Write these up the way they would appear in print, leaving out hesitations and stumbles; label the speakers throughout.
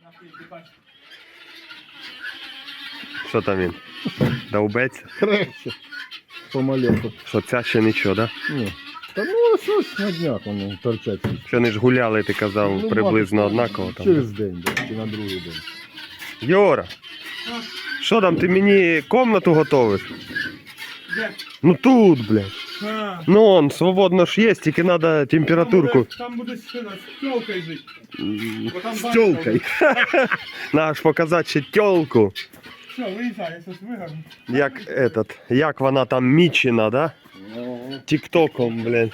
Speaker 1: Що там він? Довбеться?
Speaker 2: Крепче. Помаленьку.
Speaker 1: Що ця ще нічого, да?
Speaker 2: Ні. Та ну щось на днях воно торчать.
Speaker 1: Що вони ж гуляли, ти казав,
Speaker 2: Ну,
Speaker 1: приблизно
Speaker 2: мабуть,
Speaker 1: однаково там.
Speaker 2: Через день, да, чи на другий день.
Speaker 1: Йора, що там, ти мені комнату готовиш?
Speaker 3: Де?
Speaker 1: Ну тут, блядь.
Speaker 3: А,
Speaker 1: Ну он, свободно ж є, тільки треба температурку.
Speaker 3: Там буде з тілкою жити. Бо там
Speaker 2: З
Speaker 3: батько
Speaker 2: тілкою.
Speaker 1: Надо ж показати ще тьолку.
Speaker 3: Все, виїжджай, я щось вигарну.
Speaker 1: Як вона там мічена, да? Тіктоком, блядь.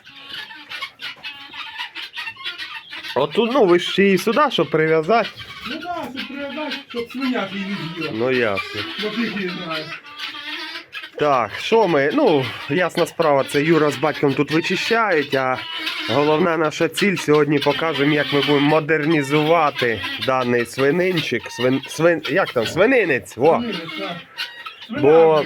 Speaker 1: От тут, ну ви ж ще і сюди, щоб прив'язати.
Speaker 3: Ну так, щоб прив'язати, щоб свиняк її не з'їла.
Speaker 1: Ну ясно.
Speaker 3: Бо ти її знаєш.
Speaker 1: Так, що ми? Ну, ясна справа, це Юра з батьком тут вичищають, а головна наша ціль сьогодні покажемо, як ми будемо модернізувати даний свининчик. Як там? Свининець! Во! Бо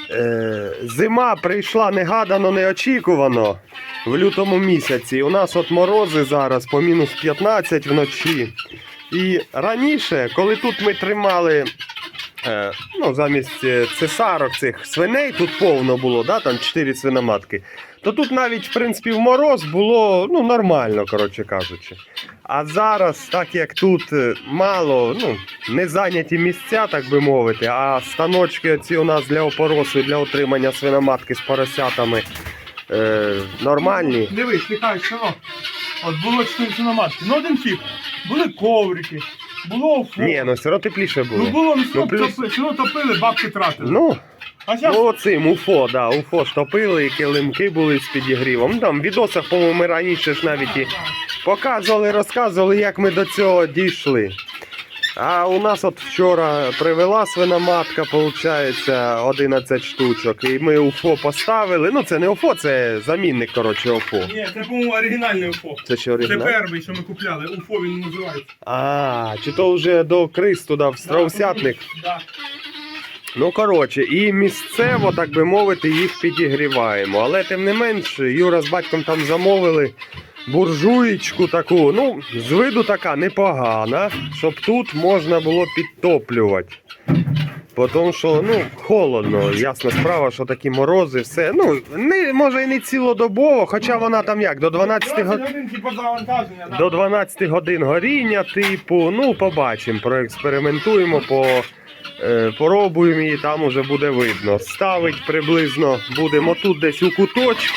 Speaker 1: зима прийшла негадано, неочікувано в лютому місяці. У нас от морози зараз по мінус 15 вночі. І раніше, коли тут ми тримали ну, замість цесарок цих свиней, тут повно було, да, там 4 свиноматки, то тут навіть, в принципі, в мороз було ну, нормально, коротше кажучи. А зараз, так як тут мало, ну, не зайняті місця, так би мовити, а станочки ці у нас для опоросу і для отримання свиноматки з поросятами нормальні.
Speaker 3: Дивись, лікай, що? От було 4 свиноматки. Ну один тип. Були коврики, було уфо.
Speaker 1: Ні, ну все одно тепліше було.
Speaker 3: Ну було,
Speaker 1: Ну, плюс-
Speaker 3: все одно топили, бабки тратили.
Speaker 1: Ну,
Speaker 3: А зараз
Speaker 1: ну оцим уфо, да, уфо ж топили, і килимки були з підігрівом. Ну, там в відосах, по-моєму, ми раніше ж навіть і показували, розказували, як ми до цього дійшли. А у нас от вчора привела свиноматка, виходить, 11 штучок. І ми УФО поставили. Ну це не УФО, це замінник, коротше, УФО.
Speaker 3: Ні, це, по-моєму, оригінальний УФО.
Speaker 1: Це ще
Speaker 3: Це
Speaker 1: оригінал?
Speaker 3: перший, що ми купляли. УФО він називається.
Speaker 1: А, чи то вже до Крис туди, в страусятник?
Speaker 3: Да.
Speaker 1: Ну, коротше, і місцево, так би мовити, їх підігріваємо. Але тим не менш, Юра з батьком там замовили буржуєчку таку, ну, з виду така непогана, щоб тут можна було підтоплювати. Тому що, ну, холодно, ясна справа, що такі морози, все. Ну, не, може і не цілодобово, хоча вона там як, до 12 годин.
Speaker 3: 20 годин, типу, завантаження. Да.
Speaker 1: До 12 годин горіння, типу, ну, побачимо, проекспериментуємо, поробуємо і там уже буде видно. Ставить приблизно будемо тут десь у куточку.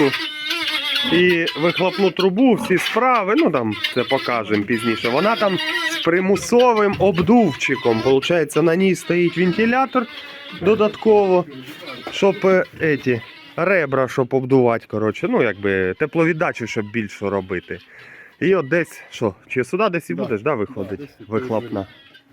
Speaker 1: І вихлопну трубу, всі справи, ну там це покажемо пізніше. Вона там з примусовим обдувчиком. Получається, на ній стоїть вентилятор додатково, щоб ребра, щоб обдувати, коротше, ну якби тепловіддачу, щоб більше робити. І от десь, що, чи сюди десь і будеш, да, виходить, вихлопна?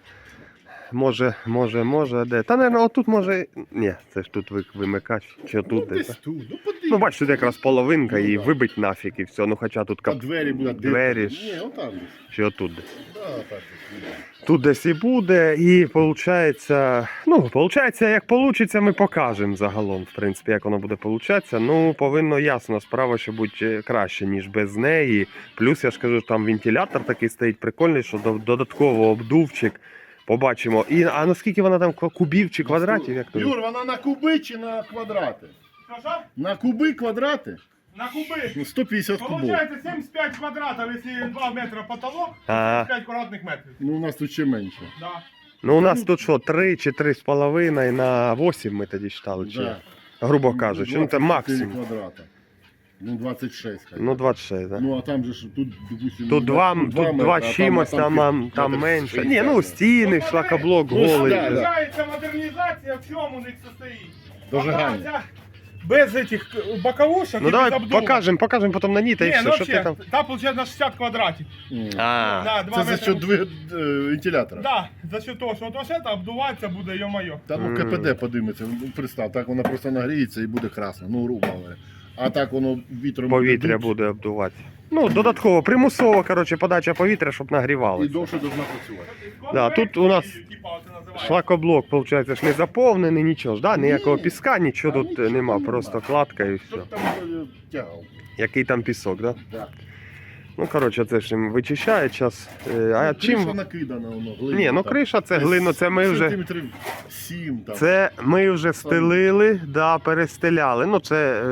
Speaker 1: Може, де? Та, мабуть, отут може... Ні, це ж тут вимикач, чи тут десь.
Speaker 2: Десь тут, ну подивись.
Speaker 1: Ну, бачиш, тут якраз половинка і вибить нафіг і все. Ну, хоча тут
Speaker 2: А двері будуть.
Speaker 1: двері ж.
Speaker 2: Ні, отам десь.
Speaker 1: Чи отут десь.
Speaker 2: Да, так десь.
Speaker 1: Тут десь і буде, і виходить, ну, виходить, як вийде, ми покажемо загалом, в принципі, як воно буде получатися. Ну, повинно ясно, справа, що бути краще, ніж без неї. Плюс, я ж кажу, там вентилятор такий стоїть прикольний, що додатково обдувчик. Побачимо. І, а наскільки вона там кубів чи квадратів? Як то?
Speaker 2: Юр, вона на куби чи на квадрати?
Speaker 3: Що?
Speaker 2: На куби квадрати?
Speaker 3: На куби.
Speaker 2: Ну, 150 кубов.
Speaker 3: Получається 75 квадратів, якщо 2 метри потолок,
Speaker 1: Ага.
Speaker 3: 5 квадратних метрів.
Speaker 2: Ну, у нас тут ще менше.
Speaker 3: Да.
Speaker 1: Ну, у нас тут що, 3 чи 3,5 на 8 ми тоді читали, чи?
Speaker 2: Да.
Speaker 1: Грубо кажучи, ну це
Speaker 2: 24
Speaker 1: максимум.
Speaker 2: квадрата. Ну, 26. хай.
Speaker 1: Ну, 26, так.
Speaker 2: Ну, а там же ж, тут, допустим...
Speaker 1: Тут два
Speaker 2: метри, а
Speaker 1: чимось, там
Speaker 2: метр
Speaker 1: менше.
Speaker 2: 60.
Speaker 1: Ні, ну стіни, шлакоблок
Speaker 2: Ну,
Speaker 1: голий.
Speaker 2: да, да.
Speaker 3: Получається модернізація, в чому у них состоїть?
Speaker 2: Дожигання.
Speaker 3: Пока ця без этих боковушек
Speaker 1: Ну
Speaker 3: і
Speaker 1: давай
Speaker 3: без обдува.
Speaker 1: покажемо потім на ній, та й
Speaker 3: Ні,
Speaker 1: все,
Speaker 3: ну
Speaker 1: що ти
Speaker 3: взагалі,
Speaker 1: там.
Speaker 3: там виходить на 60 квадратів.
Speaker 1: А,
Speaker 3: Да, 2
Speaker 2: Це за
Speaker 3: метри.
Speaker 2: счет вентилятора.
Speaker 3: Да, за счет того, що от це обдувається буде, йо-моє.
Speaker 2: Та ну КПД подиметься, ну представ, так вона просто нагріється і буде красно, ну грубо говоря. А так воно вітром
Speaker 1: повітря
Speaker 2: дуть,
Speaker 1: буде обдувати. Ну, додатково, примусово, коротше, подача повітря, щоб
Speaker 2: і
Speaker 1: нагрівалося.
Speaker 2: довше должна працювати.
Speaker 1: Да, тут у нас шлакоблок, виходить, ж не заповнений, нічого ж, да? Ніякого піска, нічого тут нема, просто кладка і все.
Speaker 2: Щоб там тягав.
Speaker 1: Який там пісок, да?
Speaker 2: Да.
Speaker 1: Ну, коротше, це ж їм вичищають зараз. А
Speaker 2: Криша
Speaker 1: чим?
Speaker 2: накидана, воно, глина.
Speaker 1: Ні, ну
Speaker 2: там.
Speaker 1: криша це глина, це ми вже.
Speaker 2: Сантиметрів 7 там.
Speaker 1: Це ми вже стелили, да, перестеляли. Ну це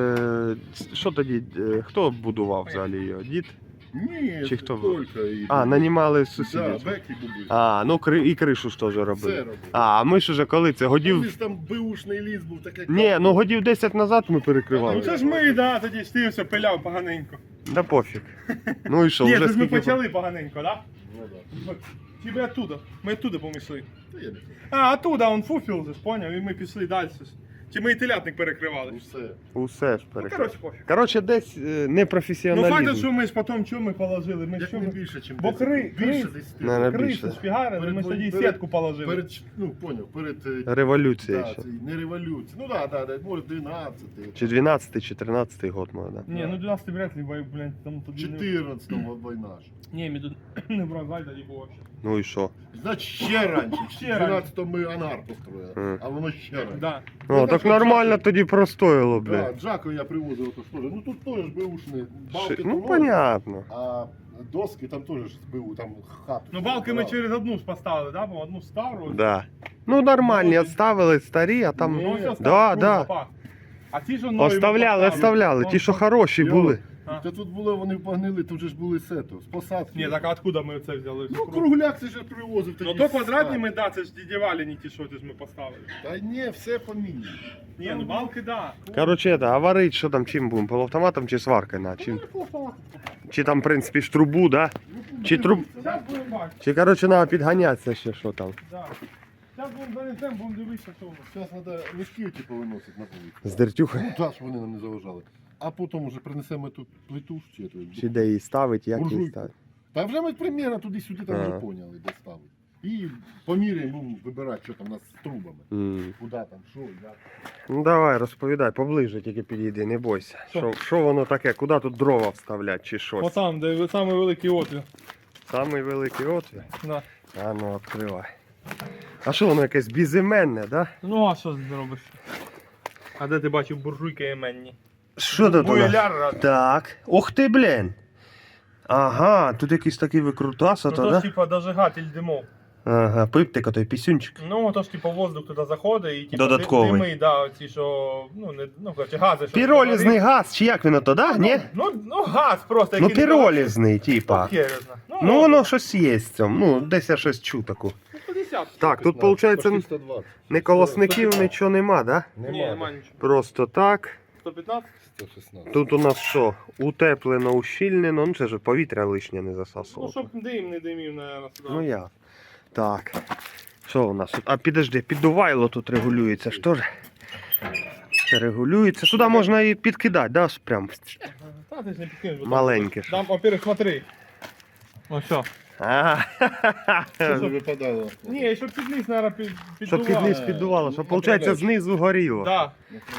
Speaker 1: що тоді? Хто будував взагалі його? Дід?
Speaker 2: Ні,
Speaker 1: Чи хто?
Speaker 2: Тільки і...
Speaker 1: А, нанімали
Speaker 2: Да,
Speaker 1: сусідів.
Speaker 2: беки були.
Speaker 1: А, ну і кришу ж теж робили.
Speaker 2: Все робили.
Speaker 1: А ми ж уже коли це?
Speaker 2: Вони
Speaker 1: Годів.
Speaker 2: ж там беушний ліс був таке.
Speaker 1: Ні, ну годів 10 назад ми
Speaker 3: Ну
Speaker 1: перекривали.
Speaker 3: це ж ми, да, тоді ж ти все пиляв поганенько.
Speaker 1: Да пофіг. Ну і що,
Speaker 3: Ні,
Speaker 1: вже
Speaker 3: це ж ми
Speaker 1: скільки.
Speaker 3: почали поганенько, да?
Speaker 2: Ну, да.
Speaker 3: Чи ми оттуда? Ми оттуда помішли.
Speaker 2: Та я не знаю.
Speaker 3: А, оттуда, он фуфіл же, поняв, і ми пішли далі. Чи ми і телятник перекривали.
Speaker 2: Усе.
Speaker 1: Усе ж
Speaker 3: Ну,
Speaker 1: перекривали.
Speaker 3: коротше, пофіг.
Speaker 1: Коротше, десь
Speaker 3: Ну, факт,
Speaker 1: непрофесіоналізм.
Speaker 3: що ми ж потім, що ми положили? Ми
Speaker 2: Як
Speaker 3: що
Speaker 2: не
Speaker 3: ми...
Speaker 2: більше, ніж
Speaker 3: Бо
Speaker 2: більше 10.
Speaker 1: Не, не.
Speaker 3: Кришу
Speaker 1: більше.
Speaker 3: шпігарили, ми ж тоді
Speaker 2: Перед-
Speaker 3: сітку положили.
Speaker 2: Перед, ну, поняв, перед...
Speaker 1: Революція
Speaker 2: Да,
Speaker 1: ще.
Speaker 2: це не революція. Ну да, може 12.
Speaker 1: Чи 12 чи 13 год, може, да.
Speaker 3: Ні, ну 12 вряд ли, блядь, там тоді...
Speaker 2: 14-го війна ж.
Speaker 3: Ні, ми тут не бразаль тоді було ще.
Speaker 1: Ну і що?
Speaker 2: Значить, ще раніше.
Speaker 3: Ще
Speaker 2: В 12-му ми ангар построїли, а воно ще раніше.
Speaker 3: Да.
Speaker 1: О, так нормально тоді простоїло,
Speaker 2: Да,
Speaker 1: блядь.
Speaker 2: Джако я привозив ото ж теж. Ну тут теж беушні. Балки
Speaker 1: Ну,
Speaker 2: то
Speaker 1: понятно.
Speaker 2: а доски там теж ж БУ, там хату.
Speaker 3: Ну балки ми
Speaker 2: збирали.
Speaker 3: через одну ж поставили, да, бо одну стару.
Speaker 1: Да. Ну, нормальні, оставили старі, а там.
Speaker 3: Ну, ось
Speaker 1: Да,
Speaker 3: оставили,
Speaker 1: да.
Speaker 3: запас. А ті, що нові
Speaker 1: Оставляли,
Speaker 3: ми
Speaker 1: оставляли. Ті, що хороші
Speaker 2: Йо.
Speaker 1: були.
Speaker 3: А.
Speaker 2: Та тут було, вони погнили, тут же ж були сето, з посадки.
Speaker 3: Ні, так а откуда ми це взяли?
Speaker 2: Ну, кругляк це ж я привозив.
Speaker 3: Ну
Speaker 2: тоді
Speaker 3: то
Speaker 2: з
Speaker 3: квадратні
Speaker 2: сад.
Speaker 3: ми, да, це ж дідівалі, не ті, що ти ж ми поставили.
Speaker 2: Та ні, все поміняно.
Speaker 3: Ні, ну балки, да.
Speaker 1: Коротше, а варить, що там, чим будемо? Полуавтоматом чи сваркою? На? Чи там, в принципі, ж трубу, да? Чи труб.
Speaker 3: Зараз будемо бачити,
Speaker 1: Чи, коротше, треба підганятися ще, що там.
Speaker 3: да. Зараз будемо занесемо, будемо дивитися, що у нас.
Speaker 2: Зараз треба мішки типу виносити на вулицю.
Speaker 1: З дертюхою.
Speaker 2: Ну так, щоб вони нам не заважали. А потім вже принесемо ту плиту чи эту.
Speaker 1: Чи де її ставить, як її
Speaker 2: Буржуйку.
Speaker 1: ставить.
Speaker 2: Та вже ми примірно туди-сюди там вже
Speaker 1: Ага.
Speaker 2: поняли, де ставити. І поміряємо, ну, вибирати, що там у нас з трубами.
Speaker 1: М.
Speaker 2: Куди там, що, як.
Speaker 1: Ну давай, розповідай, поближе тільки підійди, не бойся. Що воно таке, куди тут дрова вставлять чи щось?
Speaker 3: Отам, де самий великий отвір.
Speaker 1: Самий великий отвір.
Speaker 3: Да.
Speaker 1: А ну, відкривай. А що воно якесь безіменне, да?
Speaker 3: Ну а що ти зробиш? А де ти бачив буржуйки іменні?
Speaker 1: Що тут у нас?
Speaker 3: Бояр раз.
Speaker 1: Так. Ух ти, блін. Ага, тут якийсь такий викрутас,
Speaker 3: Ну
Speaker 1: ото,
Speaker 3: то ж
Speaker 1: да?
Speaker 3: типа дожигатель димов.
Speaker 1: Ага, пиптик, той пісюнчик.
Speaker 3: Ну то ж типа воздух туди заходить і типа
Speaker 1: Додатковий.
Speaker 3: дими, да, ці що, ну не, ну короче, гази. що
Speaker 1: Піролізний газ, чи як він ото, да? Ні?
Speaker 3: Ну газ просто.
Speaker 1: Ну
Speaker 3: який не
Speaker 1: піролізний, типа.
Speaker 3: Керезна.
Speaker 1: Ну воно щось є в цьому. Ну, десь я щось чув таку.
Speaker 3: 50.
Speaker 1: Так, тут виходить
Speaker 2: Почти 120.
Speaker 1: не колосників, нічого нема, да?
Speaker 3: Ні, нема нічого.
Speaker 1: Просто так.
Speaker 3: 115?
Speaker 2: 116.
Speaker 1: Тут у нас що? Утеплено, ущільнено. Ну це ж повітря лишнє не
Speaker 3: Ну
Speaker 1: засасувало.
Speaker 3: щоб дим не димів, наверное, сюди.
Speaker 1: Ну я. Так. Що у нас тут? А підожди, піддувайло тут регулюється. Що ж? Це регулюється. Сюди можна і підкидати, да? Прям
Speaker 3: Та ти ж не підкинеш. бо там-
Speaker 1: маленьке. ж.
Speaker 3: Там, во-первых, смотри. Ось все.
Speaker 1: Ага.
Speaker 2: Це не випадало.
Speaker 3: Ні, щоб під низ, наверное,
Speaker 1: Щоб під низ піддувало, щоб, виходить, знизу горіло.
Speaker 3: Да.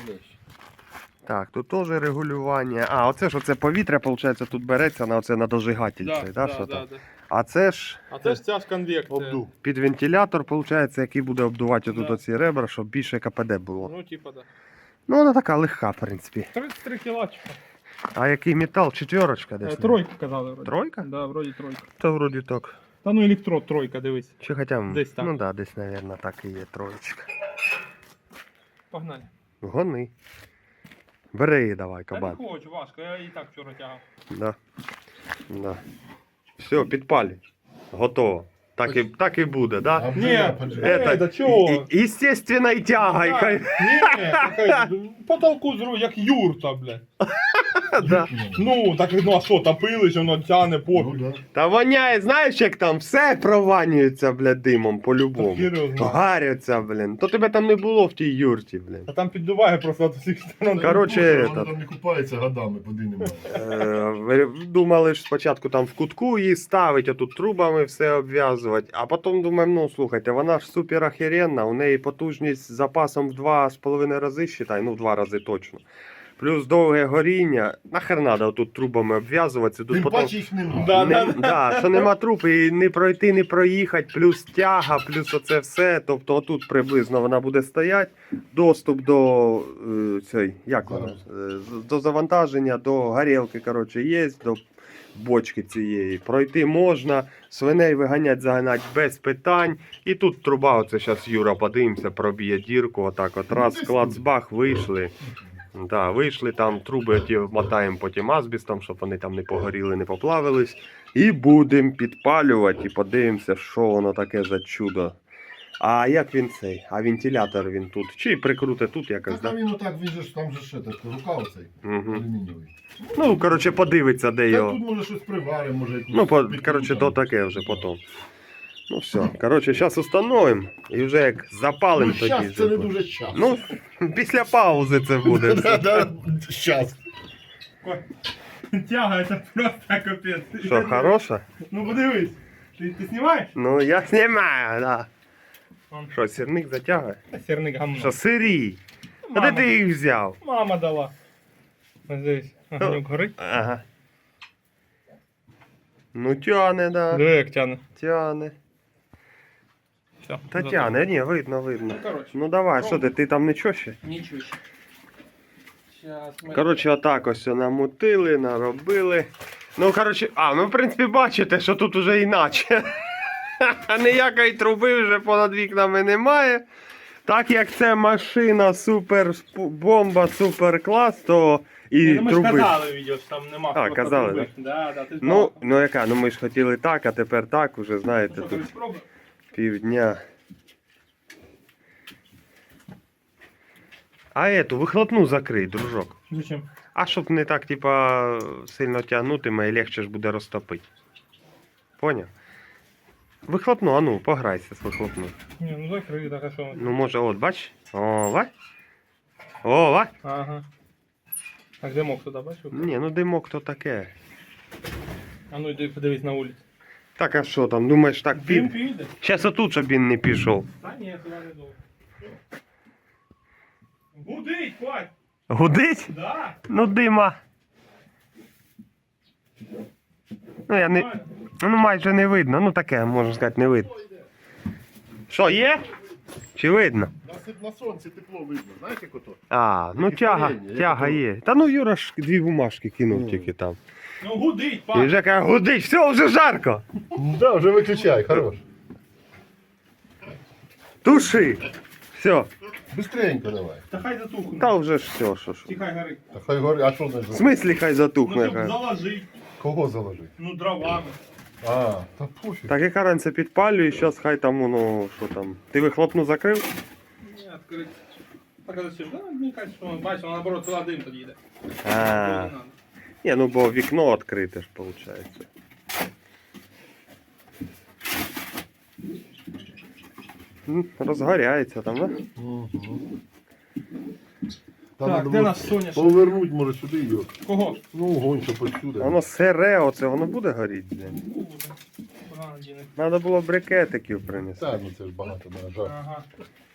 Speaker 1: Так, тут теж регулювання. А, оце ж оце повітря, виходить, тут береться на оце на дожигатель.
Speaker 3: Да,
Speaker 1: цей, да,
Speaker 3: да,
Speaker 1: що
Speaker 3: да,
Speaker 1: там?
Speaker 3: да.
Speaker 1: А це ж
Speaker 3: А це ж ця ж конвекція.
Speaker 2: Обдув.
Speaker 1: під вентилятор, виходить, який буде обдувати отут
Speaker 3: Да.
Speaker 1: оці ребра, щоб більше КПД було.
Speaker 3: Ну, типа, да.
Speaker 1: Ну, вона така легка, в принципі.
Speaker 3: 33 кілачка.
Speaker 1: А який метал? Четверочка десь?
Speaker 3: Тройка казали вроді.
Speaker 1: Тройка?
Speaker 3: Да, вроді тройка.
Speaker 1: Та вроді так.
Speaker 3: Та ну електрод тройка, дивись.
Speaker 1: Чи хоча
Speaker 3: Десь так.
Speaker 1: Ну да, десь, мабуть, так і є троєчка.
Speaker 3: Погнали.
Speaker 1: Гони. Бери її давай,
Speaker 3: Та не
Speaker 1: кабан.
Speaker 3: хочу, важко, я і так вчора тягав.
Speaker 1: Да. Да. Все, підпалі. Готово. Так і буде, да?
Speaker 3: Ні,
Speaker 1: Это,
Speaker 3: да чого?
Speaker 1: Естественной тягой.
Speaker 3: Да,
Speaker 1: хай-
Speaker 3: ні, така, потолку зру, як юрта, блядь.
Speaker 1: Да.
Speaker 3: Ну, так, ну а що, топились, воно тяне
Speaker 2: Ну,
Speaker 3: пофіг.
Speaker 2: да.
Speaker 1: Та воняє, знаєш, як там все прованюється, блядь, димом по-любому.
Speaker 3: Серйозно.
Speaker 1: Гаряться, блін. То тебе там не було в тій юрті, блін.
Speaker 3: А там піддуває просто від усіх сторон.
Speaker 1: Короче,
Speaker 2: Вона там не купається годами, води немає.
Speaker 1: Ви думали ж спочатку там в кутку її ставить, а тут трубами все обв'язувати. А потім думаємо, ну слухайте, вона ж супер охеренна, у неї потужність з запасом в 2,5 рази, считай, ну в 2 рази точно. Плюс довге горіння. Нахер треба тут трубами обв'язуватися. Тут
Speaker 2: Тим
Speaker 1: потім...
Speaker 2: паче їх немає.
Speaker 3: Да,
Speaker 1: Да, що нема труб, і не пройти, не проїхати, плюс тяга, плюс оце все. Тобто отут приблизно вона буде стояти. Доступ до до завантаження, до горілки, коротше, є, до бочки цієї. Пройти можна, свиней виганять, заганять без питань. І тут труба, оце зараз Юра, подивимося, проб'є дірку, отак от раз, клацбах, вийшли. Да, вийшли там, труби ті мотаємо потім азбістом, щоб вони там не погоріли, не поплавились. І будемо підпалювати і подивимося, що воно таке за чудо. А як він цей? А вентилятор він тут? Чи прикрути тут якось,
Speaker 2: Так,
Speaker 1: да?
Speaker 2: а він отак, він же ж там же ще так, рука оцей,
Speaker 1: Угу.
Speaker 2: алюмінієвий.
Speaker 1: Ну, коротше, подивиться, де
Speaker 2: Та
Speaker 1: його.
Speaker 2: тут може щось приваримо, може якусь...
Speaker 1: Ну,
Speaker 2: підкрутимо.
Speaker 1: коротше, то таке вже потім. Ну все, коротше, зараз установимо і вже як запалимо
Speaker 2: Ну,
Speaker 1: тоді.
Speaker 2: щас це не
Speaker 1: вже.
Speaker 2: дуже час.
Speaker 1: Ну, після паузи це буде. все.
Speaker 2: Щас.
Speaker 3: Тяга, це просто капець.
Speaker 1: Що, хороша?
Speaker 3: Ну подивись. Ти знімаєш?
Speaker 1: Ну, я знімаю, да. Що, сірник затягує?
Speaker 3: Сірник гамно.
Speaker 1: Що, сирій? А де ти їх взяв?
Speaker 3: Мама дала. Ось дивись, огоньок горить.
Speaker 1: Ага. Ну, тяне, да.
Speaker 3: Диви, як тяне.
Speaker 1: Тяне.
Speaker 3: Все.
Speaker 1: Та тяне, ні, видно, видно.
Speaker 3: Ну, коротше.
Speaker 1: Ну давай, що ти там нічого ще?
Speaker 3: Нічого ще. Щас ми...
Speaker 1: Коротше, отак ось намутили, наробили. Ну, коротше, ну, в принципі, бачите, що тут уже іначе. Ніякої труби вже понад вікнами немає. Так як це машина супер бомба, супер клас, то і
Speaker 3: Ну, ми ж
Speaker 1: труби.
Speaker 3: казали відео, що там нема.
Speaker 1: А,
Speaker 3: просто
Speaker 1: казали,
Speaker 3: труби. Да, ти
Speaker 1: Ну яка, ну ми ж хотіли так, а тепер так, уже знаєте,
Speaker 3: що,
Speaker 1: тут
Speaker 3: тобі спробуй?
Speaker 1: півдня. А ету, вихлопну закрий, дружок.
Speaker 3: Зачем?
Speaker 1: А щоб не так, типа, сильно тягнутиме і легше ж буде розтопити. Поняв? Вихлопну, а ну, пограйся з вихлопну.
Speaker 3: Ні, ну закрий, так, а що?
Speaker 1: Ну може, от, бач? О, бач? О, бач?
Speaker 3: Ага. Так, димок туди, бачив?
Speaker 1: Ні, ну димок то таке.
Speaker 3: А ну йди подивись на вулицю.
Speaker 1: Так, а що там, думаєш, так
Speaker 3: Дим
Speaker 1: пів?
Speaker 3: піде?
Speaker 1: Щас отут, щоб він не пішов.
Speaker 3: Та ні, туди не довго. Гудить, хвать!
Speaker 1: Гудить?
Speaker 3: Да!
Speaker 1: Ну дима. Ну я не. Ну майже не видно, ну таке, можна сказати, не видно. Що, є? Чи видно?
Speaker 2: На сонці тепло видно, знаєш як ото?
Speaker 1: А, ну
Speaker 2: Такі
Speaker 1: тяга,
Speaker 2: парення, як
Speaker 1: тяга
Speaker 2: ото.
Speaker 1: є. Та ну Юра ж дві бумажки кинув
Speaker 2: Ну.
Speaker 1: тільки там.
Speaker 3: Ну гудить,
Speaker 1: І
Speaker 3: пак!
Speaker 1: вже каже, гудить, все, вже жарко.
Speaker 2: Да, вже виключай, хорош.
Speaker 1: Туши. Все.
Speaker 2: Быстренько давай.
Speaker 3: Та хай затухне.
Speaker 1: Та вже ж все, що ж.
Speaker 3: Тихай горить.
Speaker 2: Та хай горить, а що не
Speaker 1: В смислі хай
Speaker 3: Ну
Speaker 1: затухне.
Speaker 3: щоб
Speaker 1: каже.
Speaker 3: заложить.
Speaker 2: Кого заложить?
Speaker 3: Ну дровами.
Speaker 2: А, та пофіг.
Speaker 1: Так яка раніше підпалює, зараз хай там воно, що там. Ти вихлопну закрив?
Speaker 3: Ні, відкрити. Так, а зачем? Да, мені кажуть, що бачиш, воно наоборот туди дим тоді йде.
Speaker 1: А, ні, ну бо вікно відкрите ж, виходить. Розгоряється там, да?
Speaker 2: Угу.
Speaker 3: Так, де наш соняшник?
Speaker 2: Повернуть, може, сюди його.
Speaker 3: Кого?
Speaker 2: Ну, огонь, щоб отсюди.
Speaker 1: Воно сире, оце воно буде горіти. блін? Треба було брикетиків принести.
Speaker 2: Так, ну це ж багато на жар.
Speaker 3: Ага.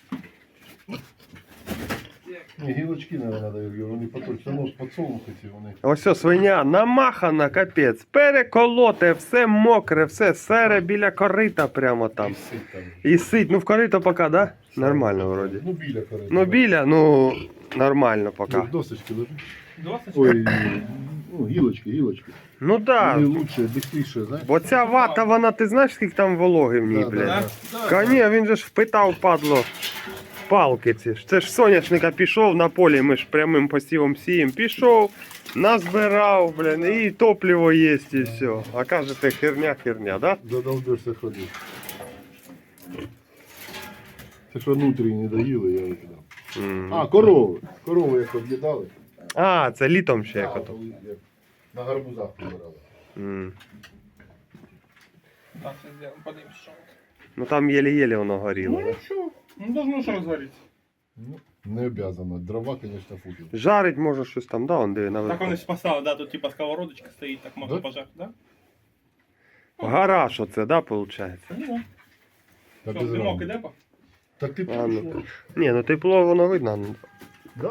Speaker 2: Ні, гілочки, мабуть, треба, вони поточно, ну, подсолнухи ці вони.
Speaker 1: Ось ось свиня намахана, капець, переколоте, все мокре, все сере біля корита прямо там.
Speaker 2: І сить там.
Speaker 1: І сить, ну в корито поки, да? Нормально вроді.
Speaker 2: Ну, біля корита.
Speaker 1: Ну біля, ну нормально поки.
Speaker 2: Ну, досочки лежить.
Speaker 3: Досить?
Speaker 2: Ой, ну, гілочки.
Speaker 1: Ну да,
Speaker 2: Вони лучше, бистріше, знаєш?
Speaker 1: бо ця вата, вона, ти знаєш, скільки там вологи в ній,
Speaker 2: Да,
Speaker 1: блядь?
Speaker 2: да.
Speaker 1: Коні, він же ж впитав, падло, палки ці ж. Це ж соняшника пішов на полі, ми ж прямим посівом сіємо. Пішов, назбирав, блін, і топливо є, і все. А кажете, херня, да?
Speaker 2: Задолбешься ходити. Це що внутрішні доїли, я викидав.
Speaker 1: М.
Speaker 2: А, корови. Корови як об'їдали.
Speaker 1: А, це літом ще як
Speaker 2: А,
Speaker 1: ото.
Speaker 2: коли як на гарбузах прибирали.
Speaker 1: М.
Speaker 3: Так, це зробимо, подивимось, що.
Speaker 1: Ну там єлі-єлі воно горіло.
Speaker 3: Ну
Speaker 1: Да?
Speaker 3: нічого, ну должно ж розгоріться.
Speaker 2: Ну, не обязано. Дрова, звісно, футів.
Speaker 1: Жарить може щось там, да, он диви
Speaker 3: Так вони
Speaker 1: наверху.
Speaker 3: ж поставили, да, тут типа сковородочка стоїть, так можна
Speaker 2: Да?
Speaker 3: пожарити, да?
Speaker 1: Гараж оце, да, виходить?
Speaker 3: Ну,
Speaker 2: Та
Speaker 3: що,
Speaker 2: без
Speaker 3: димок
Speaker 2: рамок.
Speaker 3: іде, па?
Speaker 2: Так ти
Speaker 1: А, ну,
Speaker 2: пішов.
Speaker 1: Ні, ну тепло воно видно.
Speaker 2: Да.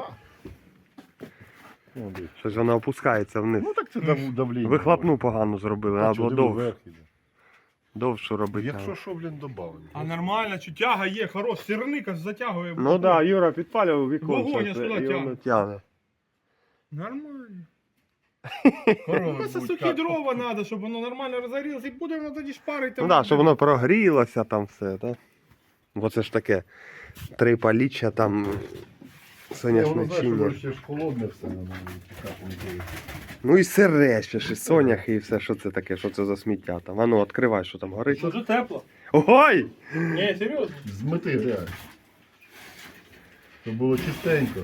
Speaker 2: Ну, дивись.
Speaker 1: Щось воно опускається вниз.
Speaker 2: Ну так це давлення.
Speaker 1: Вихлопну погано зробили, треба було довше.
Speaker 2: Якщо
Speaker 1: робити.
Speaker 2: що, блін, добавили.
Speaker 3: А нормально, що тяга є, хорош, сірника ж затягує.
Speaker 1: Ну так, да, Юра підпалював
Speaker 3: Вогонь
Speaker 1: віконце
Speaker 3: аж туди
Speaker 1: і воно
Speaker 3: тягне.
Speaker 1: тягне.
Speaker 3: Нормально.
Speaker 2: Корови
Speaker 3: Просто
Speaker 2: будуть
Speaker 3: сухі
Speaker 2: кат-
Speaker 3: дрова треба, щоб воно нормально розгорілося, і буде воно тоді шпарити.
Speaker 1: Ну так, щоб воно прогрілося там все, так? Бо це ж таке 3 паліччя там
Speaker 2: Воно,
Speaker 1: соняшне
Speaker 2: знаєш,
Speaker 1: чиння.
Speaker 2: воно ще ж холодне все, воно пікати не буде.
Speaker 1: Ну і сире ще ж, і соняхи, і все, що це таке, що це за сміття там. А ну, відкривай, що там горить.
Speaker 3: Дуже тепло.
Speaker 1: Ой!
Speaker 3: Ні, серйозно.
Speaker 2: Змити грязь. Щоб було чистенько.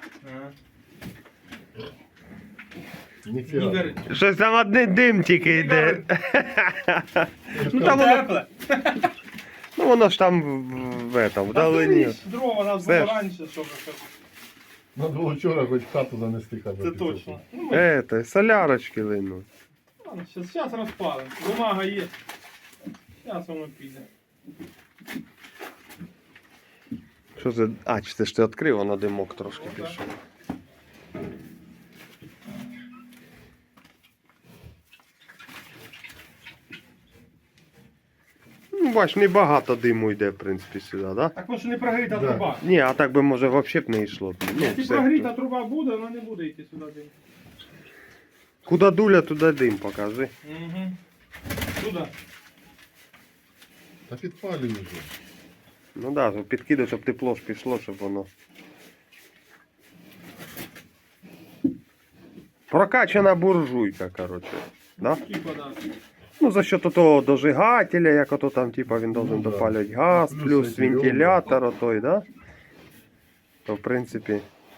Speaker 3: Не
Speaker 2: Ніфіга.
Speaker 3: горить.
Speaker 1: Щось там один дим тільки йде. Ну там воно,
Speaker 3: Тепле.
Speaker 1: ну воно ж там вдалині.
Speaker 3: Дрова нас
Speaker 1: Все
Speaker 3: було
Speaker 1: ж.
Speaker 3: раніше, щоб це.
Speaker 2: Надо було вчора хоч хату занести.
Speaker 3: Це точно. Ну, ми,
Speaker 1: Солярочки линуть.
Speaker 3: ладно, зараз розпалимо. Бумага є. Зараз воно піде.
Speaker 1: Що це? А, чи це ж ти відкрив, воно димок трошки
Speaker 3: Ну, так.
Speaker 1: пішов. Ну, бач, небагато диму йде, в принципі, сюди, так? Да?
Speaker 3: Так воно ж не прогріта
Speaker 2: Да.
Speaker 3: труба.
Speaker 1: Ні, а так би може взагалі б не йшло. Ну,
Speaker 3: Якщо
Speaker 1: все.
Speaker 3: прогріта труба буде, вона не буде йти сюди дим.
Speaker 1: Куди дуля, туди дим, покажи.
Speaker 3: Угу. Туди.
Speaker 2: Та підпалюй вже.
Speaker 1: Ну так, да, підкидай, щоб тепло ж пішло, щоб воно. Прокачана буржуйка, коротше. Да?
Speaker 3: Такі подарки.
Speaker 1: Ну, за счет того дожигателя, як ото там, типа, він должен
Speaker 2: Ну, да.
Speaker 1: допалювати газ,
Speaker 2: Плюс
Speaker 1: плюс
Speaker 2: эти
Speaker 1: вентилятор отой, да? То, в принципі.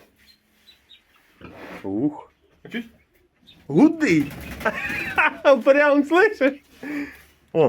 Speaker 1: Ух.
Speaker 3: А чуть?
Speaker 1: Гудить! Прям слышиш? О.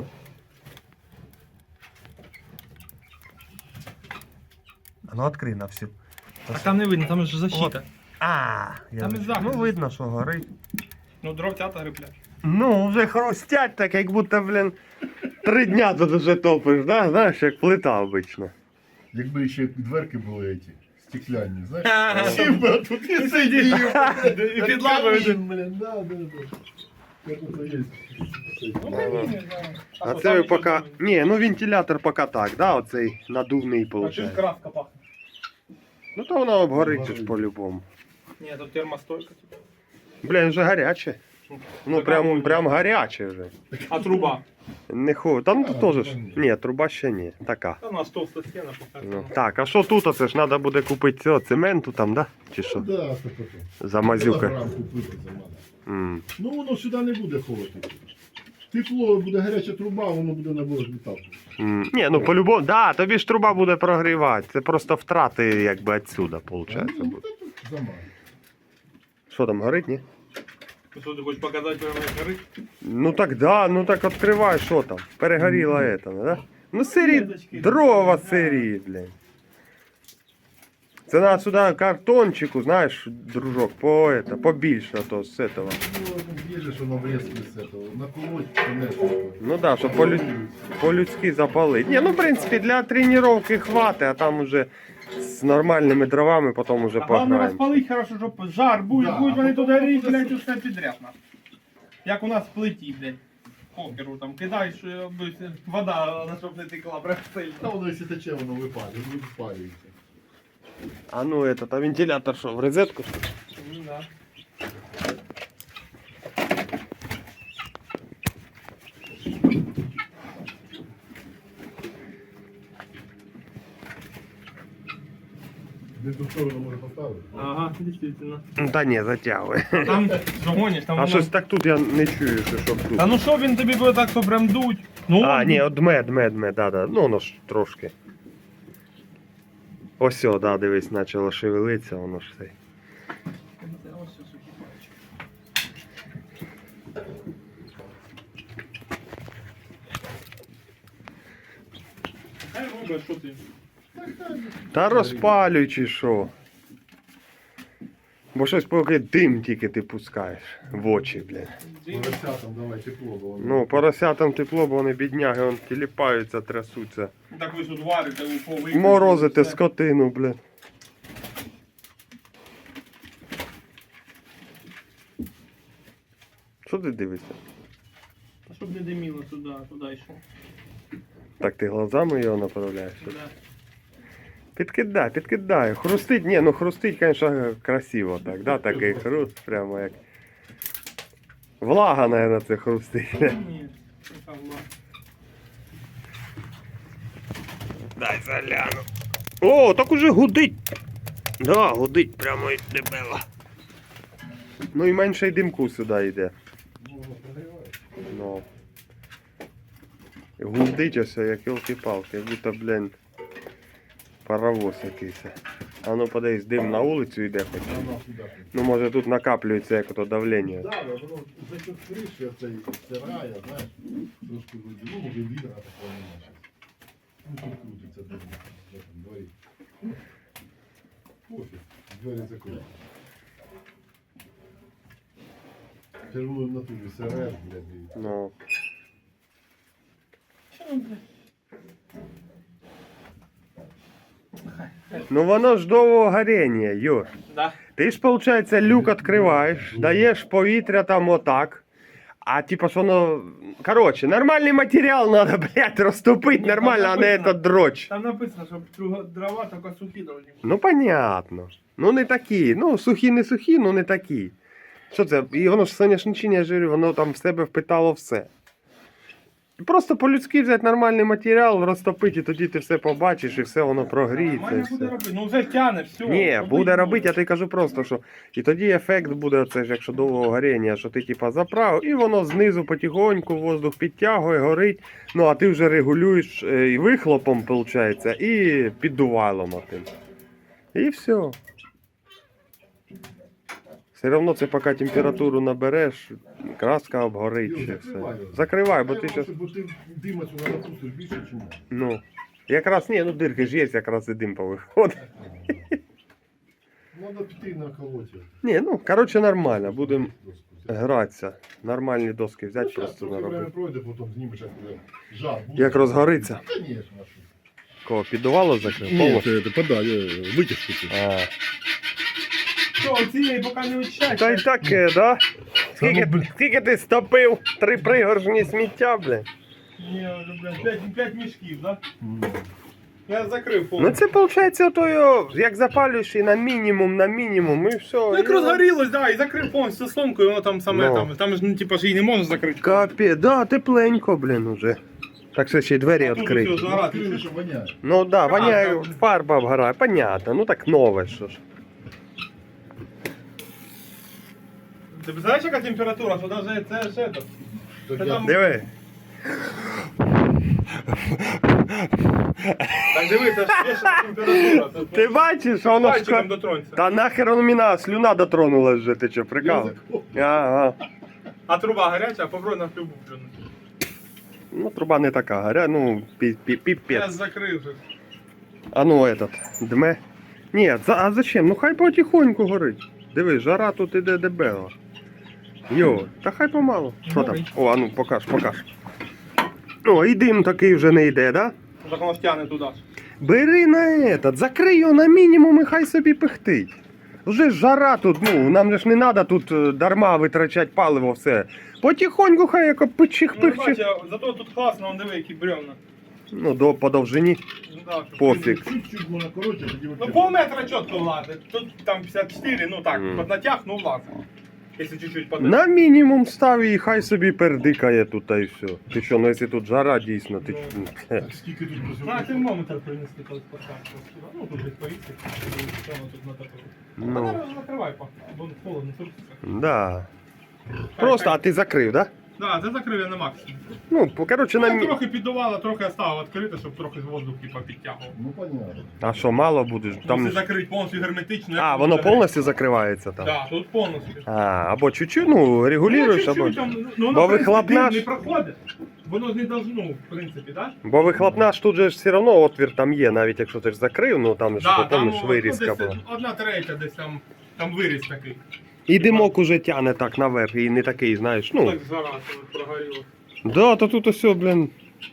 Speaker 1: А ну открий на всю.
Speaker 3: А там не видно, там ж защита.
Speaker 1: А,
Speaker 3: Там і захист.
Speaker 1: ну видно, що горить.
Speaker 3: Ну, дровцята гриблять.
Speaker 1: Ну, вже хрустять так, як будто, блін, 3 дня тут уже топиш, да? Знаєш, як плита обично.
Speaker 2: Якби ще дверки були ці, стеклянні, знаєш?
Speaker 3: Ага.
Speaker 2: Сів би тут і сидів.
Speaker 3: І підлагою.
Speaker 2: Блін, да. Як ото є.
Speaker 3: Ну, каміння, да.
Speaker 1: А
Speaker 3: що,
Speaker 1: це ви
Speaker 3: там
Speaker 1: поки.
Speaker 3: нічого
Speaker 1: Ні, ну вентилятор поки так, да, оцей надувний
Speaker 3: не буде. А чуть
Speaker 1: виходить.
Speaker 3: краска пахне.
Speaker 1: Ну то воно обгорить ж
Speaker 2: Обгорить.
Speaker 1: по-любому.
Speaker 3: Ні, тут термостойка. Типу.
Speaker 1: Блін, вже гаряче. Ну прям гаряче вже.
Speaker 3: А труба?
Speaker 1: Не хо. Там
Speaker 2: А,
Speaker 1: тут теж.
Speaker 2: труба ні.
Speaker 1: Ні, труба ще ні. Така.
Speaker 3: Та у нас товста стіна поки.
Speaker 1: Ну, так, а що тут? Оце ж треба буде купити цього цементу там, да? Чи що?
Speaker 2: Да, це таке.
Speaker 1: Замазюка.
Speaker 2: Кілограм купити за мене.
Speaker 1: М.
Speaker 2: Ну воно сюди не буде холодно. Тепло, буде гаряча труба, воно буде набор літати.
Speaker 1: Ні, ну по-любому, да, тобі ж труба буде прогрівати. Це просто втрати якби відсюди, виходить.
Speaker 2: Ну,
Speaker 1: буде.
Speaker 2: та тут замало.
Speaker 1: Що там горить, ні?
Speaker 3: Що ти хочеш показати, прямо як горить?
Speaker 1: Ну так да, ну так відкривай, що там. Перегоріло это, да? Ну сирі,
Speaker 3: Клеточки.
Speaker 1: дрова сирі, блін. Це треба сюди картончику, знаєш, дружок, побільше то з этого.
Speaker 2: Ну, є ж воно врізки з цього. Наколоть, понести.
Speaker 1: Ну да, щоб по-людськи запалити. Ні, ну в принципі для тренування хватить, а там уже з нормальними дровами потім уже
Speaker 3: А головне
Speaker 1: пограємо.
Speaker 3: розпалить хорошо, щоб жар буде,
Speaker 2: Да,
Speaker 3: будуть вони
Speaker 2: а
Speaker 3: туди
Speaker 2: потім
Speaker 3: різь,
Speaker 2: буде
Speaker 3: блядь, усе підряд. нахуй. Як у нас в плиті, блядь. Покеру там кидаєш, аби вода, на щоб не текла, прям сильно.
Speaker 2: Та воно якщо тече, воно випалює, випалюється.
Speaker 1: А ну этот, а вентилятор що, в розетку? Що?
Speaker 3: Ну, да.
Speaker 2: Де ту сторону може поставити?
Speaker 3: Ага, дійсно.
Speaker 1: Ну, та ні, затягує.
Speaker 3: Там що гониш, там
Speaker 1: А
Speaker 3: воно...
Speaker 1: щось так тут я не чую, що щоб тут.
Speaker 3: Та ну що він тобі буде так, що прям дуть? Ну,
Speaker 1: А, ні, от дме, да. Ну воно ж трошки. Ось, о, да, дивись, почало шевелитися, воно ж цей.
Speaker 3: Хай робить, що ти?
Speaker 1: Та розпалюй чи що. Бо щось поки дим тільки ти пускаєш в очі, блядь.
Speaker 2: Поросятам давай тепло, бо воно.
Speaker 1: Ну, поросятам тепло, бо вони бідняги, вон тіліпаються, трясуться.
Speaker 3: Так ви ж тут варите у повик.
Speaker 1: Морозите скотину, блядь. Що ти дивишся?
Speaker 3: Щоб не диміло туди, туди йшло.
Speaker 1: Так ти глазами його направляєш?
Speaker 3: Туди.
Speaker 1: Підкидай. Хрустить, ні, ну хрустить, звісно, красиво так, да, такий хруст, прямо як Влага, наверное, це хрустить.
Speaker 3: Ні, там ладно.
Speaker 1: Дай загляну. О, так уже гудить. Да, гудить прямо і дебело. Ну і менше й димку сюди йде. Ну. Гудить ось, як ёлки-палки, як будто, блін, паровоз якийсь. А ну подивись, дим на вулицю йде хоч. Ну може тут накаплюється як ото давлення.
Speaker 2: Да, воно за счет криші оцей стирає, знаєш, трошки вийде. Ну, може, відра такого немає зараз. Ну, тут крутиться дим в цьому дворі. Пофіг, двері закриті. Червону на ту СРР, блядь.
Speaker 1: Ну. Ну воно ж довго горіння, Юр.
Speaker 3: Да.
Speaker 1: Ти ж, виходить, люк відкриваєш, даєш повітря там отак. А типа що воно. Коротше, нормальний матеріал треба, блядь, розтопити нормально, а не этот дроч.
Speaker 3: Там написано, що дрова тільки сухі должні.
Speaker 1: Ну понятно. Ну не такі. Ну сухі не сухі, ну не такі. Що це? І воно ж соняшничення, я ж говорю, воно там в себе впитало все. Просто по-людськи взяти нормальний матеріал, розтопити, і тоді ти все побачиш, і все воно прогріється. І
Speaker 3: Нормально буде
Speaker 1: все.
Speaker 3: робити. Ну вже тяне, все.
Speaker 1: Ні, буде робити, я тобі кажу просто, що і тоді ефект буде, оце ж, якщо довго горіння, що ти типа заправив, і воно знизу потихоньку воздух підтягує, горить, ну а ти вже регулюєш і вихлопом, виходить, і піддувайлом отим. І все. Все одно це поки температуру набереш, краска обгорить ще все. Закривай, бо ти зараз.
Speaker 2: Бо ти дима сюди напустиш більше, чим можна.
Speaker 1: Ну. Якраз ні, ну дирки ж є, якраз і дим повиходить.
Speaker 2: Треба піти на колоті.
Speaker 1: Ні, ну, коротше, нормально, будемо гратися. Нормальні доски взяти, просто
Speaker 2: Трохи время
Speaker 1: наробити.
Speaker 2: пройде, потім знімеш, як буде жар. буде.
Speaker 1: Як розгориться.
Speaker 2: Конечно, а що?
Speaker 1: Кого, піддувало закрив?
Speaker 2: Ні,
Speaker 1: Повністю?
Speaker 2: це подай, витяжку цю.
Speaker 1: А.
Speaker 3: Що, цієї поки не очищаєш?
Speaker 1: Та й таке, да? Скільки,
Speaker 2: блін.
Speaker 1: скільки ти стопив? 3 пригоршні сміття, бля.
Speaker 3: Ні, вже, блядь, 5 мішків, да? Я закрив
Speaker 1: Ну
Speaker 3: повністю.
Speaker 1: це виходить, ото його, як запалюєш і на мінімум, і все.
Speaker 3: Ну як
Speaker 1: і-
Speaker 3: розгорілось, да, і закрив повністю сломкою, воно там саме
Speaker 1: Ну.
Speaker 3: там ж, ну, типа, ж її не можна закрити.
Speaker 1: Капець, да, тепленько, блін, уже. Так що ще й двері
Speaker 3: Тут
Speaker 1: відкриті.
Speaker 3: все заграти.
Speaker 2: Відкрили, що воняє.
Speaker 1: Ну да, воняє,
Speaker 3: так.
Speaker 1: фарба обгорає, понятно, ну так нове, що ж.
Speaker 3: Ти знаєш, яка температура, що навіть це ж это.
Speaker 2: Так
Speaker 3: Та
Speaker 2: я-
Speaker 3: там-
Speaker 1: Диви.
Speaker 3: Так диви, це ж є ще температура. Це
Speaker 1: Ти бачиш, воно ж...
Speaker 3: пальчиком дотронься.
Speaker 1: Та нахер воно мене, слюна дотронулась вже, ти що, прикал? Ага.
Speaker 3: А труба гаряча, а попробуй на трубу плюнути.
Speaker 1: Ну, труба не така, горя, ну,
Speaker 3: Я
Speaker 1: піпець.
Speaker 3: закрив вже.
Speaker 1: А ну, этот, дме. Ні, а зачем? Ну хай потихоньку горить. Диви, жара тут іде дебела. Йо, та хай помалу. Що там? О, а ну, покаж. О, і дим такий вже не йде, да?
Speaker 3: Так воно втягне туди.
Speaker 1: Бери на этот, закрий його на мінімум і хай собі пихтить. Вже ж жара тут, ну, нам же ж не треба тут дарма витрачати паливо все. Потихоньку хай як
Speaker 3: Ну,
Speaker 1: пичих-пичих.
Speaker 3: бачиш, зато тут класно, вон диви, які бревна.
Speaker 1: Ну, по довжині.
Speaker 3: Ну, да, щоб-
Speaker 1: Пофіг.
Speaker 2: Чуть-чуть можна коротше, тоді
Speaker 3: Ну,
Speaker 2: вообще.
Speaker 3: полметра чітко влазить. Тут там 54, ну так,
Speaker 1: Мгм.
Speaker 3: під натяг, ну влазить. Якщо чуть-чуть подати.
Speaker 1: На мінімум став і хай собі пердикає тут та й все. Ти що, ну якщо тут жара дійсно, ти
Speaker 3: Ну.
Speaker 2: Так, скільки тут
Speaker 3: На
Speaker 2: працювати?
Speaker 3: термометр принесли колись поставити. Ну, тут десь повісти. Прямо тут на таку.
Speaker 1: Ну,
Speaker 3: Ну, закривай, бо холодно, сурситься.
Speaker 1: да. Просто, а ти закрив, да?
Speaker 3: Да, це закрив я на максимум.
Speaker 1: Ну, коротше, на
Speaker 3: Я
Speaker 1: мі...
Speaker 3: трохи піддувало, трохи оставив відкрите, щоб трохи з воздух типа підтягував.
Speaker 2: Ну, понятно.
Speaker 1: А що, мало будеш?
Speaker 3: Там...
Speaker 1: Там...
Speaker 3: Якщо закрити повністю герметично.
Speaker 1: А,
Speaker 3: як
Speaker 1: воно
Speaker 3: буде
Speaker 1: повністю закривається там?
Speaker 3: гріти. Да, тут повністю.
Speaker 1: А, або чуть-чуть, ну, регулюєш,
Speaker 3: Ну,
Speaker 1: або...
Speaker 3: чуть-чуть там, ну, воно,
Speaker 1: Бо
Speaker 3: в принципі,
Speaker 1: вихлопна
Speaker 3: дим
Speaker 1: ж-
Speaker 3: не проходить. Воно ж не должно, в принципі, так?
Speaker 1: Бо вихлопна ж тут же ж все одно отвір там є, навіть якщо ти ж закрив, ну там ж
Speaker 3: Да,
Speaker 1: потім ж
Speaker 3: ну,
Speaker 1: вирізка
Speaker 3: десь
Speaker 1: була.
Speaker 3: 1/3 десь там виріз такий.
Speaker 1: І димок уже тяне так наверх, і не такий, знаєш, ну.
Speaker 3: Так жара це прогоріло.
Speaker 1: Да, то тут усе, блін,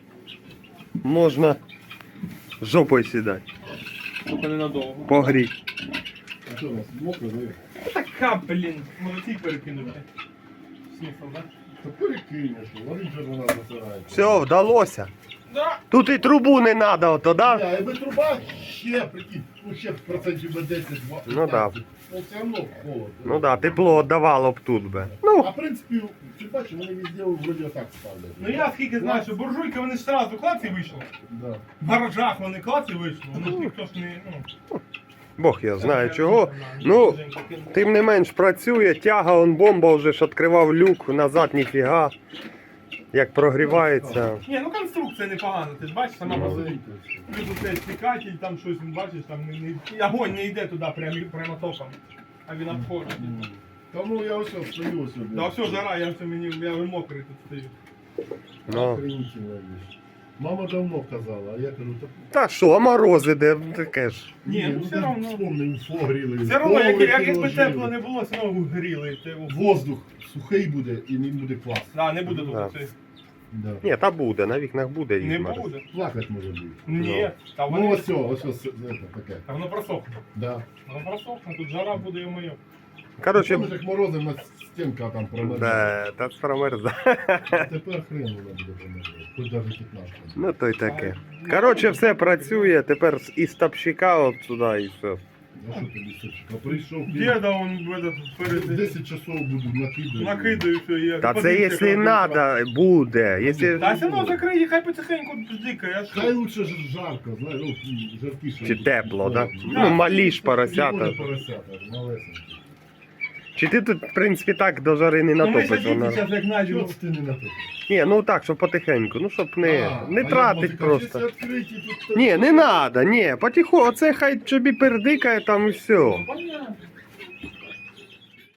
Speaker 1: можна жопою сідати,
Speaker 3: Тільки ненадовго.
Speaker 1: погріть.
Speaker 2: А що у нас мокро, да?
Speaker 3: Така, блін, може ці перекинути. Смисл, да?
Speaker 2: Та перекинеш, вони вже вона засирається.
Speaker 1: Все, вдалося.
Speaker 3: Да.
Speaker 1: Тут і трубу не треба, ото, да?
Speaker 2: А якби труба ще, прикинь, ну ще процентів на 10-20.
Speaker 1: Ну да.
Speaker 2: Ну все одно холодно.
Speaker 1: Ну да, тепло давало б тут би. Ну,
Speaker 2: А в принципі, ти бачиш, вони везде вроді отак ставлять.
Speaker 3: Ну я скільки знаю, що буржуйки вони ж одразу клаці вийшли.
Speaker 2: Да.
Speaker 3: В гаражах вони клаці вийшли, ну ж ніхто ж не.
Speaker 1: Бог я знаю чого. Ну, тим не менш працює, тяга, он бомба вже ж відкривав люк, назад ніфіга. Як прогрівається.
Speaker 3: Ні, ну конструкція непогана, ти ж бачиш, сама по собі.
Speaker 2: Маленько.
Speaker 3: Плюс цей стікатель, там щось, бачиш, там огонь не йде туди прямо током, а він обходить.
Speaker 2: Та ну я ось стою ось.
Speaker 3: Да все, жара, я вже мокрий тут стою.
Speaker 1: Ну.
Speaker 2: Охренительна вещь. Мама давно казала, а я кажу,
Speaker 1: Та що, морози де таке ж.
Speaker 3: Ні, ну все равно.
Speaker 2: Вспомнив, гріли.
Speaker 3: Все одно, якби
Speaker 2: Коврики
Speaker 3: тепло
Speaker 2: ложили.
Speaker 3: не було, все одно гріли.
Speaker 2: Воздух сухий буде і не буде класно.
Speaker 3: Да, не буде
Speaker 1: Да.
Speaker 3: тут це.
Speaker 2: Да.
Speaker 1: Ні, та буде, на вікнах буде
Speaker 3: Не
Speaker 1: ізмар.
Speaker 3: буде.
Speaker 2: Плакать може бути.
Speaker 3: Ні, та
Speaker 2: Ну
Speaker 3: вони.
Speaker 2: ось таке.
Speaker 3: Та воно просохне.
Speaker 2: Да.
Speaker 3: Воно просохне, тут жара буде і моє.
Speaker 1: Коротше,
Speaker 2: Помниш, як морози на стінка там промерзла.
Speaker 1: да, та промерза.
Speaker 2: Тепер хрен вона буде промерзла. Хоч навіть 15.
Speaker 1: Ну то й таке. Коротше, все працює, тепер із топщика от сюди і все.
Speaker 2: А що тобі сучка? Прийшов,
Speaker 3: Діда он перед
Speaker 2: 10 часов буду накидати.
Speaker 3: накидаю все. і
Speaker 1: Та це
Speaker 3: подивіться,
Speaker 1: якщо
Speaker 3: як воно
Speaker 1: треба, буде. Якщо...
Speaker 3: Та все одно закриє, хай потихеньку дикає, а
Speaker 2: Хай
Speaker 3: що?
Speaker 2: лучше ж жарко, знаєш, ну, жаркіше.
Speaker 1: Чи тепло, да?
Speaker 2: Холодно.
Speaker 1: Ну, малі ж
Speaker 2: Не
Speaker 1: поросята.
Speaker 2: буде поросята, малесенькі.
Speaker 1: Чи ти тут, в принципі, так до жари не
Speaker 3: Ну ми
Speaker 1: натопиш?
Speaker 3: сидіти
Speaker 1: Вона...
Speaker 3: зараз як
Speaker 2: Чого
Speaker 3: найдемо.
Speaker 2: ти не натопиш?
Speaker 1: Ні, ну так, щоб потихеньку, ну щоб не тратить просто.
Speaker 2: Якщо відкриті, тут...
Speaker 1: Ні, не треба, ні, потихо, оце хай собі пердикає там і все.
Speaker 3: Ну, понятно.